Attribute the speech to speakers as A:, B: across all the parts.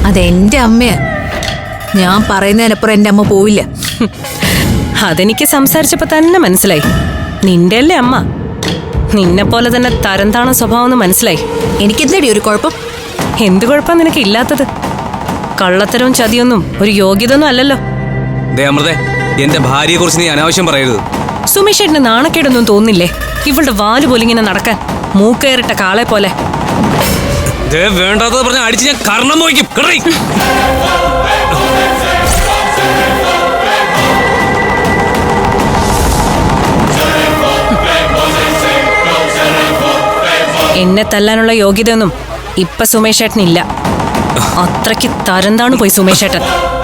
A: അതെന്റെ അമ്മയാ. ഞാൻ പറയുന്നതിനപ്പുറം എന്റെ അമ്മ പോവില്ല.
B: അതെനിക്ക് സംസാരിച്ചപ്പോ തന്നെ മനസ്സിലായി. നിന്റെ അല്ലേ അമ്മ. നിന്നെ പോലെ തന്നെ തരംതാണ സ്വഭാവം മനസ്സിലായി.
A: എനിക്കെന്തടി ഒരു കുഴപ്പം?
B: എന്ത് കുഴപ്പം നിനക്ക് ഇല്ലാത്തത്? കള്ളത്തരവും ചതിയൊന്നും ഒരു യോഗ്യത ഒന്നും അല്ലല്ലോ.
C: അമൃതേ, എന്റെ ഭാര്യയെ കുറിച്ച് നീ അനാവശ്യം പറയരുത്.
B: സുമേഷേട്ടന് നാണക്കേടൊന്നും തോന്നില്ലേ ഇവളുടെ വാല് പോലിങ്ങനെ നടക്കാൻ? മൂക്കയറിട്ട കാളെ പോലെ.
C: വേണ്ടാത്തത് പറഞ്ഞ അടിച്ച് ഞാൻ കർണം പോയിക്കും.
B: എന്നെ തല്ലാനുള്ള യോഗ്യതയൊന്നും ഇപ്പൊ സുമേഷേട്ടനില്ല. അത്രയ്ക്ക് തരംതാണ് പോയി സുമേഷേട്ടൻ.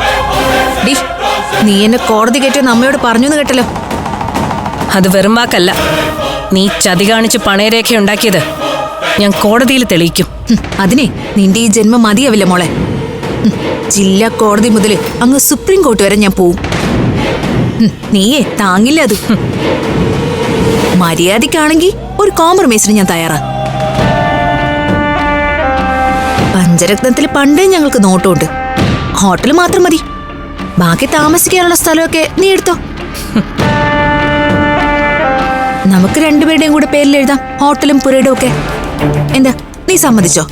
A: നീ എന്നെ കോടതി കയറ്റിയെന്ന് അമ്മയോട് പറഞ്ഞു കേട്ടല്ലോ.
B: അത് വെറും വാക്കല്ല. നീ ചതി കാണിച്ച് പണയരേഖ ഉണ്ടാക്കിയത് ഞാൻ കോടതിയിൽ തെളിയിക്കും.
A: അതിനെ നിന്റെ ഈ ജന്മം മതിയാവില്ല മോളെ. ജില്ലാ കോടതി മുതൽ അങ്ങ് സുപ്രീം കോർട്ട് വരെ ഞാൻ പോവും. നീയേ താങ്ങില്ല അത്. മര്യാദക്കാണെങ്കിൽ ഒരു കോംപ്രമൈസിന് ഞാൻ തയ്യാറാ. പഞ്ചരത്നത്തിൽ പണ്ടേ ഞങ്ങൾക്ക് നോട്ടമുണ്ട്. ഹോട്ടൽ മാത്രം മതി, ബാക്കി താമസിക്കാനുള്ള സ്ഥലമൊക്കെ നീ എടുത്തോ. നമുക്ക് രണ്ടുപേരുടെയും കൂടെ പേരിൽ എഴുതാം ഹോട്ടലും പുരയിടും ഒക്കെ. എന്താ, നീ സമ്മതിച്ചോ?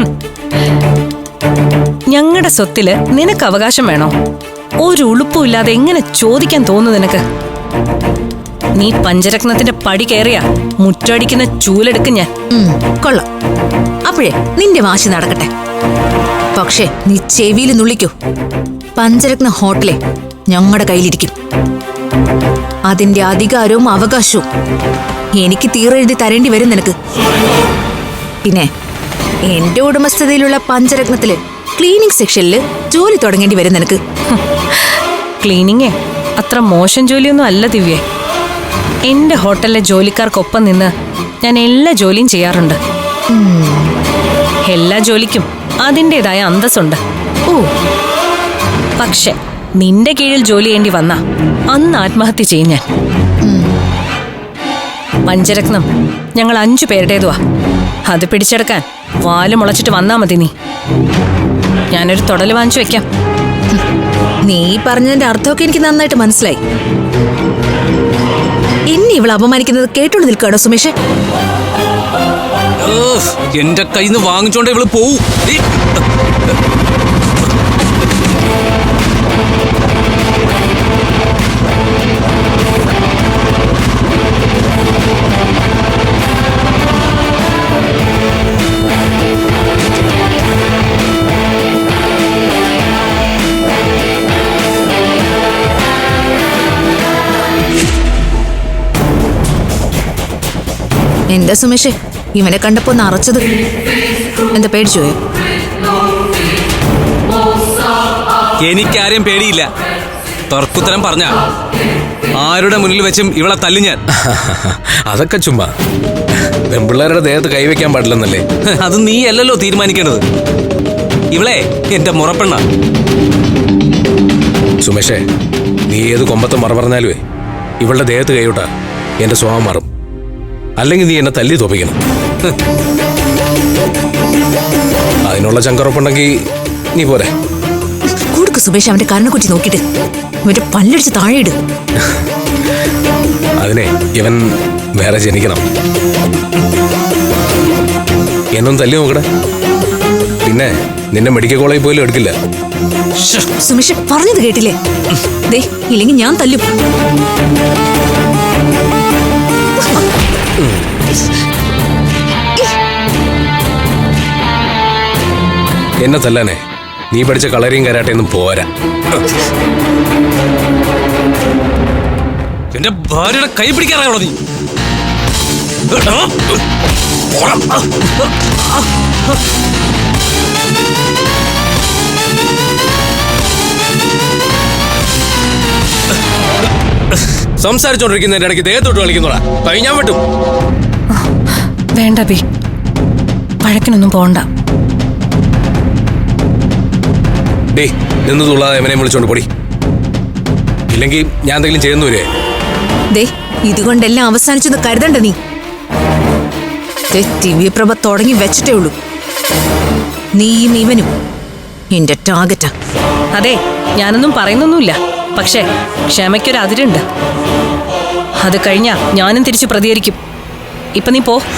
B: ഞങ്ങളുടെ സ്വത്തില് നിനക്ക് അവകാശം വേണോ? ഒരു ഉളുപ്പുമില്ലാതെ എങ്ങനെ ചോദിക്കാൻ തോന്നുന്നു നിനക്ക്? നീ പഞ്ചരത്നത്തിന്റെ പടി കയറിയാ മുറ്റടിക്കുന്ന ചൂലെടുക്കും ഞാൻ.
A: കൊള്ളാം. അപ്പോഴേ നിന്റെ വാശി നടക്കട്ടെ. പക്ഷേ നീ ചെവിയിൽ നുള്ളിക്കോ, പഞ്ചരത്ന ഹോട്ടലെ ഞങ്ങളുടെ കയ്യിലിരിക്കും. അതിന്റെ അധികാരവും അവകാശവും എനിക്ക് തീരെഴുതി തരേണ്ടി വരും നിനക്ക്. പിന്നെ എന്റെ ഉടമസ്ഥതയിലുള്ള പഞ്ചരത്നത്തില് ക്ലീനിങ് സെക്ഷനിൽ ജോലി തുടങ്ങേണ്ടി വരും നിനക്ക്.
B: ക്ലീനിങ്ങേ അത്ര മോശം ജോലിയൊന്നും അല്ല ദിവ്യേ. എന്റെ ഹോട്ടലിലെ ജോലിക്കാർക്കൊപ്പം നിന്ന് ഞാൻ എല്ലാ ജോലിയും ചെയ്യാറുണ്ട്. എല്ലാ ജോലിക്കും അതിൻ്റെതായ അന്തസ്സുണ്ട്. പക്ഷെ നിന്റെ കീഴിൽ ജോലി ചെയ്യേണ്ടി വന്ന അന്ന് ആത്മഹത്യ ചെയ്യും ഞാൻ. പഞ്ചരത്നം ഞങ്ങൾ 5 പേരുടേതുവാ. അത് പിടിച്ചെടുക്കാൻ വാല് മുളച്ചിട്ട് വന്നാ മതി നീ. ഞാനൊരു തൊടല് വാങ്ങിച്ചു വെക്കാം.
A: നീ പറഞ്ഞതിന്റെ അർത്ഥമൊക്കെ എനിക്ക് നന്നായിട്ട് മനസ്സിലായി. എന്നെ ഇവൾ അപമാനിക്കുന്നത് കേട്ടോണ്ട് നിൽക്കാടോ സുമേഷ്?
C: എന്റെ കയ്യിൽ നിന്ന് വാങ്ങിച്ചോണ്ട് ഇവള് പോവും.
A: എന്താ സുമേഷേ ഇവനെ കണ്ടപ്പോ നിറച്ചത്? എന്താ പേടിച്ചു പോയോ?
C: എനിക്കാരെയും പേടിയില്ല. തർക്കുത്തരം പറഞ്ഞ ആരുടെ മുന്നിൽ വെച്ചും ഇവളെ തല്ലി ഞാൻ.
D: അതൊക്കെ ചുമ്മാ. പെൺപിള്ളേരുടെ ദേഹത്ത് കൈവയ്ക്കാൻ പാടില്ലെന്നല്ലേ?
C: അത് നീ അല്ലല്ലോ തീരുമാനിക്കേണ്ടത്. ഇവളെ എന്റെ മുറപ്പെണ്ണ.
D: സുമേഷേ, നീ ഏത് കൊമ്പത്തെ മറ പറഞ്ഞാലുവേ ഇവളുടെ ദേഹത്ത് കൈവിട്ടാ എന്റെ സ്വഭാവം മാറും. അല്ലെങ്കിൽ നീ എന്നെ തല്ലി തോപ്പിക്കണം. അതിനുള്ള ചങ്കറപ്പുണ്ടെങ്കിൽ നീ പോരെ.
A: കൊടുക്ക് സുമേഷ് അവന്റെ കരണക്കുറ്റി നോക്കിട്ട് ഇവന്റെ പല്ലടിച്ച് താഴെയിട്.
D: അതിനെ ഇവൻ വേറെ ജനിക്കണം. എന്നൊന്നും തല്ലി നോക്കട. പിന്നെ നിന്നെ മെഡിക്കൽ കോളേജിൽ പോലും എടുക്കില്ല.
A: സുമേഷ് പറഞ്ഞത് കേട്ടില്ലേ? ദേ ഇല്ലെങ്കിൽ ഞാൻ തല്ലും.
D: എന്നെ തല്ലാനേ നീ പഠിച്ച കളരിയും കരാട്ടയൊന്നും പോരാ.
C: എന്റെ ഭാര്യയുടെ കൈ പിടിക്കാറാണോ നീ?
D: സംസാരിച്ചോണ്ടിരിക്കുന്നതിന്റെ ഇടയ്ക്ക് ദേഹത്തോട്ട് കളിക്കുന്നോടാ. കൈ ഞാൻ വെട്ടും.
B: വേണ്ട ബി, പഴക്കിനൊന്നും പോണ്ട.
D: ഡേ നിന്ന് തുള്ളാതെ എവനെ വിളിച്ചോണ്ട് പൊടി. ഇല്ലെങ്കിൽ ഞാൻ എന്തെങ്കിലും ചെയ്യുന്നു വരെ.
A: ദേ ഇതുകൊണ്ടെല്ലാം അവസാനിച്ചെന്ന് കരുതണ്ട നീ. ദിവ്യപ്രഭ തുടങ്ങി വെച്ചിട്ടേ ഉള്ളൂ. നീയും ഇവനും എന്റെ ടാർഗറ്റാ.
B: അതെ, ഞാനൊന്നും പറയുന്നൊന്നുമില്ല. പക്ഷേ ക്ഷമയ്ക്കൊരു അതിരുണ്ട്. അത് കഴിഞ്ഞാ ഞാനും തിരിച്ചു പ്രതികരിക്കും. ഇപ്പൊ നീ പോ.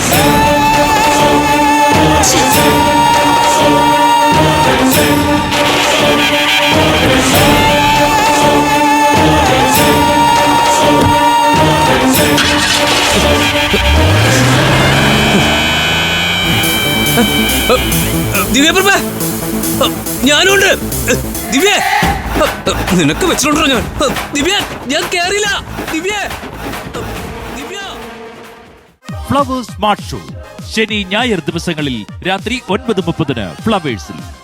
C: ദിവ്യപ്രഭ, ഞാനുണ്ട്. ദിവ്യ, നിനക്ക് വെച്ചിട്ടുണ്ടോ ഞാൻ? ദിവ്യ, ഞാൻ കേറില്ല. Divya, Divya.
E: Flowers Smart Show ശനി ഞായർ ദിവസങ്ങളിൽ രാത്രി 9:30 ഫ്ലവേഴ്സിൽ.